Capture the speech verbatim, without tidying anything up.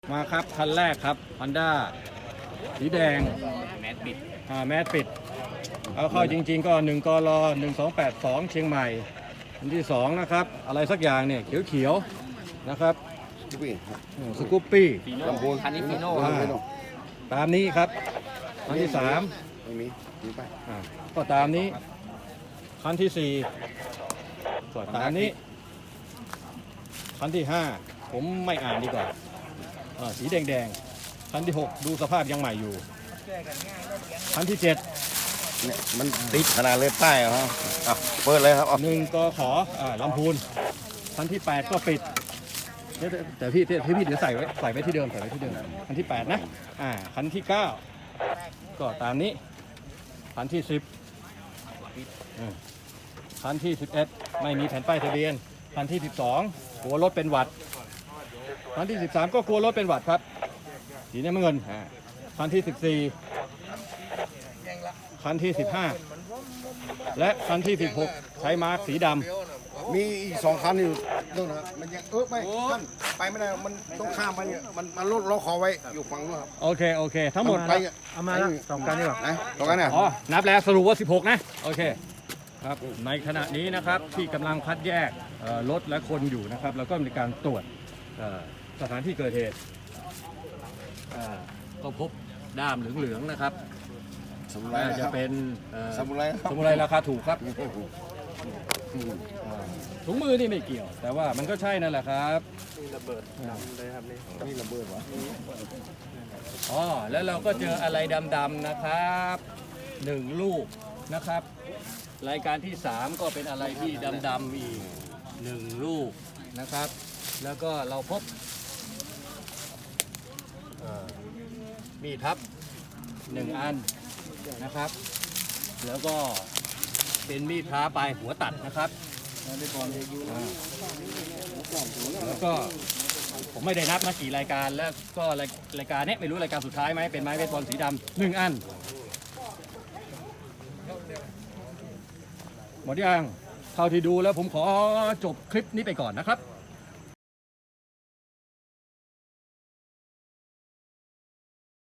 มาครับคันแรกครับ Honda สีแดงแมสปิดอ่าแมสปิดเอาเข้าจริงๆก็หนึ่งกรหนึ่งสองแปดสองเชียงใหม่อันที่สองนะครับอะไรสักอย่างเนี่ยเขียวๆนะครับสกูปปี้ลำพูนคันนี้ฟีโน่ตามนี้ครับคันที่สามไม่มีไปก็ตามนี้คันที่สี่ก็ตามนี้คันที่ห้าผมไม่อ่านดีกว่าสีแดงๆคันที่หกดูสภาพยังใหม่อยู่คันที่เจ็ดเนี่ยมันติดขนาดเลยป้ายเหรออ่ะเปิดเลยครับหนึ่งกขออ่าลำพูนคันที่แปดก็ปิดแต่พี่พี่พี่เดี๋ยวใส่ไว้ใส่ไว้ที่เดิมใส่ไว้ที่เดิมคันที่แปดนะอ่าคันที่เก้าก็ตามนี้คันที่สิบคันที่สิบเอ็ดไม่มีแผ่นป้ายทะเบียนคันที่สิบสองกลัวรถเป็นหวัดคันที่สิบสามก็กลัวรถเป็นหวัดครับสีน้ำเงินคันที่สิบสี่คันที่สิบห้าและคันที่สิบหกใช้มาร์กสีดำมีอีกสองคันอยู่นู่นนะมันยังเออไม่ท่านไปไม่ได้มันต้องข้ามไปเนี่ยมันมันรถเราขอไว้อยู่ฝั่งนู้นครับโอเคโอเคทั้งหมดไปเอามาแล้วสองคันนี่หรอไหนสองคันเนี่ยอ๋อนับแล้วสรุปว่าสิบหกนะโอเคครับในขณะนี้นะครับที่กำลังคัดแยกรถและคนอยู่นะครับแล้วก็มีการตรวจสถานที่เกิดเหตุก็พบด้ามเหลืองๆนะครับสมุไรจะเป็นสมุไรสมุไรราคาถูกครับถุงมือนี่ไม่เกี่ยวแต่ว่ามันก็ใช่นั่นแหละครับนี่ระเบิดเลยครับนี่นี่ระเบิดวะอ๋อแล้วเราก็เจออะไรดำๆนะครับหนึ่งลูกนะครับรายการที่สามก็เป็นอะไรที่ดำๆอีกหนึ่งลูกนะครับแล้วก็เราพบมีดพับหนึ่งอันนะครับแล้วก็เป็นมีดพระปลายหัวตัดนะครับแล้วก็ผมไม่ได้นับนะกี่รายการแล้วก็รายการนี้ไม่รู้รายการสุดท้ายไหมเป็นไม้เบสบอลสีดำหนึ่งอันหมดยังเท่าที่ดูแล้วผมขอจบคลิปนี้ไปก่อนนะครับ